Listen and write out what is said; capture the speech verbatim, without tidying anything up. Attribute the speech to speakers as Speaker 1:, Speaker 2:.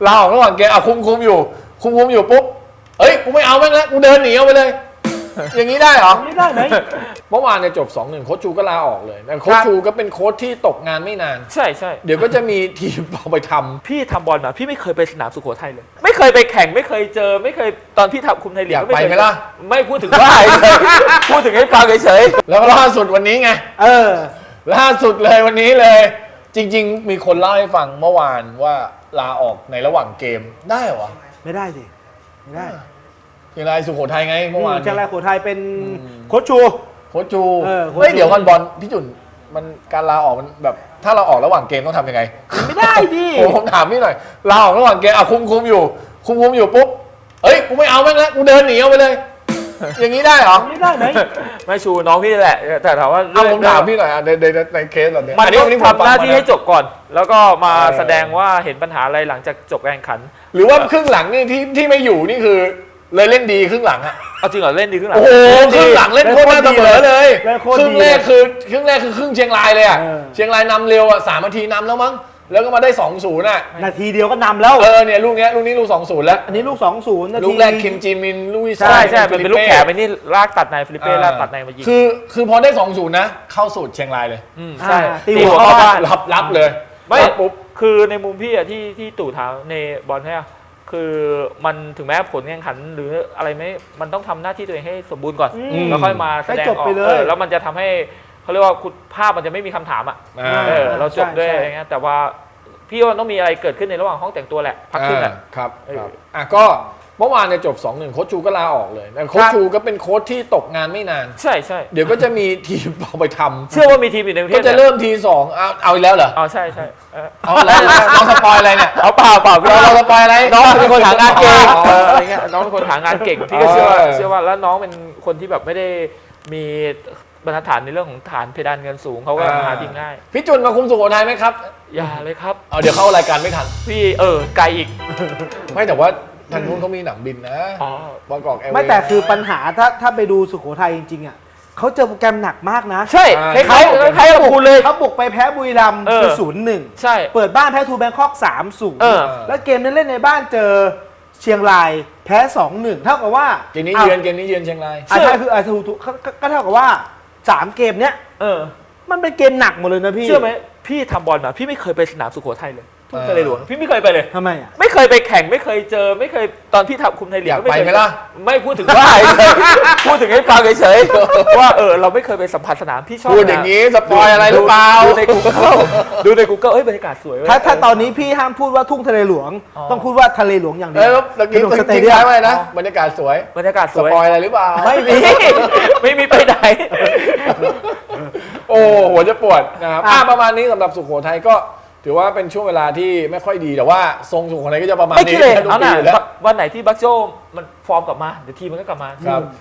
Speaker 1: ลาออกระหว่างเกมอ่ะคุมคุมอยู่คุมคุมอยู่ปุ๊บเฮ้ยกูไม่เอาแม่งแล้วกูเดินหนีเอาไปเลยอย่างนี้ได้เหรอ
Speaker 2: ไม่ได้ไหม
Speaker 1: เมื่อวานเนี่ยจบ สองหนึ่ง โค้ชชูก็ลาออกเลยแต่โค้ชชูก็เป็นโค้ชที่ตกงานไม่นาน
Speaker 3: ใช่ใช่
Speaker 1: เดี๋ยวก็จะมีทีมเอาไปทำ
Speaker 3: พี่ทำบอลมาพี่ไม่เคยไปสนามสุโขทัยเลยไม่เคยไปแข่งไม่เคยเจอไม่เคยตอนพี่ทำคุมไทยลีก
Speaker 1: อยากไปไหมล่ะ
Speaker 3: ไม่พูดถึงว่าพูดถึงให้ฟังเฉย
Speaker 1: ๆแล้วล่าสุดวันนี้ไง
Speaker 2: เออ
Speaker 1: ล่าสุดเลยวันนี้เลยจริงๆมีคนเล่าให้ฟังเมื่อวานว่าลาออกในระหว่างเกมได้เหรอ
Speaker 2: ไม่ได้สิไม่ได้
Speaker 1: เชียงรายสุโขทัยไงเมื่อวาน
Speaker 2: เชียงรายสุโขทัยเป็นโค้ชชู
Speaker 1: โค้ชชูเฮ้ยเดี๋ยวกันบอลพี่จุนมันการลาออกมันแบบถ้าเราออกระหว่างเกมต้องทำยังไง
Speaker 2: ไม่ได้ดิ
Speaker 1: ผมถามพี่หน่อยลาออกระหว่างเกมอ่ะคุมคุมอยู่คุมคุมอยู่ปุ๊บเฮ้ยกูไม่เอาแม่งแล้วกูเดินหนีเอาไปเลยอย่างนี้ได้เหรอ
Speaker 2: ไม่ได้ไหม
Speaker 3: ไม่ชูน้องพี่แหละแต่ถามว่า
Speaker 1: เอาผมถามพี่หน่อยในในในเคสแบบนี้
Speaker 3: มันต้องทำหน้าที่ให้จบก่อนแล้วก็มาแสดงว่าเห็นปัญหาอะไรหลังจากจบการแข่งขัน
Speaker 1: หรือว่าครึ่งหลังนี่ที่ที่ไม่อยู่นี่คือเลยเล่นดีครึ่งหลังอะ
Speaker 3: เอาจริงเหรอเล่นดีครึ่งหลัง
Speaker 1: โอ้โหครึ่งหลังเล่นโคตรน่าเสมอเลยครึ่งแรกคือครึ่งแรกคือครึ่งเชียงรายเลยอะเชียงรายนำเร็วอะสามนาทีนำแล้วมั้งแล้วก็มาได้ สองศูนย์ น่ะ
Speaker 2: นาทีเดียวก็นำแล้ว
Speaker 1: เออเนี่ยลูกนี้ลูกนี้ลูก สองศูนย์ แล้ว
Speaker 2: อันนี้ลูก สองศูนย์ นาที
Speaker 1: ลูกแรกคิมจีมินลูกที่
Speaker 3: ใช่ใช่เป็นลูกแขกไปนี่ลากตัดในฟิลิปเป้ลากตัดในมายิง
Speaker 1: คือคือพอได้ สองศูนย์ นะเข้าสูตรเชียงรายเลย
Speaker 3: อืมใช่
Speaker 2: ตีหัวเข้าบ้าน
Speaker 1: รับรับเลย
Speaker 3: ไม่ปุ๊บคือในมุมพี่อะที่ที่ตู่ถามในบอลเนี่ยคือมันถึงแม้ผลแข่งขันหรืออะไรไม่มันต้องทำหน้าที่ตัวเองให้สมบูรณ์ก่อนแล้วค่อยมาแสดงออกแล้วมันจะทำให้เขาเรียกว่าคุณภาพมันจะไม่มีคำถามอ่ะเออเราจบด้วยอะไรเงี้ยแต่ว่าพี่ว่าต้องมีอะไรเกิดขึ้นในระหว่างห้องแต่งตัวแหละพักขึ้นอ่ะ
Speaker 1: ครับครับอ่ะก็เมื่อวานเนี่ยจบ สองหนึ่ง โค้ชชูก็ลาออกเลยแต่โค้ชชูก็เป็นโค้ชที่ตกงานไม่นาน
Speaker 3: ใช่ใช่
Speaker 1: เดี๋ยวก็จะมีทีมเอาไปทำ
Speaker 3: เชื่อว่ามีทีมอยู่ในประเทศ
Speaker 1: ก็จะเริ่มทีสองเอาเอาอีกแล้วเหรอ
Speaker 3: อ๋อใช่ใช่
Speaker 1: เอาอะไรน้องสปอยอะไรเนี่ย
Speaker 3: เอาเปล่าเปล่าพี่
Speaker 1: เราสปอยอะไร
Speaker 3: น้องเป็นคนหางานเก่งอะไรเงี้ยน้องเป็นคนหางานเก่งพี่ก็เชื่อว่าเชื่อว่าแล้วน้องเป็นคนที่แบบไม่ได้มีบรรทัดฐานในเรื่องของฐานเพดานเงินสูงเขาก็หาทีมง่าย
Speaker 1: พี่จุนมาคุมสุโขทัยไหมครับ
Speaker 3: อย่าเลยครับ
Speaker 1: เอาเดี๋ยวเข้ารายการไม่ทัน
Speaker 3: พี่เออไกลอีก
Speaker 1: ไม่แต่ว่าทางนู้นเขามีหนังบินนะ
Speaker 3: อ๋
Speaker 1: อบางกอกแอร์
Speaker 2: ไม่แต่คือปัญหาถ้าถ้าไปดูสุโขทัยจริงๆอ่ะเขาเจอโปรแกรมหนักมากนะ
Speaker 3: ใช่คล้ายๆคล้ายๆกับคุณเลย
Speaker 2: เขาบุกไปแพ้บุรีรัมย์คือศูนย์หนึ่ง
Speaker 3: ใช่
Speaker 2: เปิดบ้านแพ้ทูแบงคอกสามศูนย์แล้วเกมนั้นเล่นในบ้านเจอเชียงรายแพ้สองหนึ่งเท่ากับว่า
Speaker 1: เกมนี้เยือนเกมนี้เยือนเชียงราย
Speaker 2: ใช่คืออาทูก็เท่ากับว่าสามเกมเนี้ยเออมันเป็นเกมหนักหมดเลยนะพี่
Speaker 3: เชื่อไหมพี่ทำบอลมาพี่ไม่เคยไปสนามสุโขทัยเลยทุ่งทะเลหลวงพี่ไม่เคยไปเลย
Speaker 2: ทำไมอ่ะ
Speaker 3: ไม่เคยไปแข่งไม่เคยเจอไม่เคยตอนพี่ทำคุมไทยลีก
Speaker 1: อยากไปไหมล่ะ
Speaker 3: ไม่พูดถึงว่าพูดถึงให้ฟังเฉยๆว่าเออเราไม่เคยไปสัมผัสสนามพี่ชอบ
Speaker 1: พูดอย่างนี้สปอยอะไรหรือเปล่า
Speaker 3: ดูใน Google ดูใน Google เอ้ยบรรยากาศสวย
Speaker 2: ถ้าถ้าตอนนี้พี่ห้ามพูดว่าทุ่งทะเลหลวงต้องพูดว่าทะเลหลวงอย่างเดียว
Speaker 1: แล้วกินสเตเดียมอะไรนะบรรยากาศสวย
Speaker 3: บรรยากาศสวย
Speaker 1: สปอยอะไรหรือเปล่า
Speaker 3: ไม่มีไม่มีไปไหน
Speaker 1: โอ้หัวจะปวดนะครับประมาณนี้สำหรับสุโขทัยก็ถือว่าเป็นช่วงเวลาที่ไม่ค่อยดีแต่ว่าทรงสุโขทัยก็จะประมาณนี้
Speaker 3: เอาหน่าวันไหนที่บัคโจมันฟอร์มกลับมาเดี๋ยวทีมมันก็กลับมา
Speaker 1: ครับ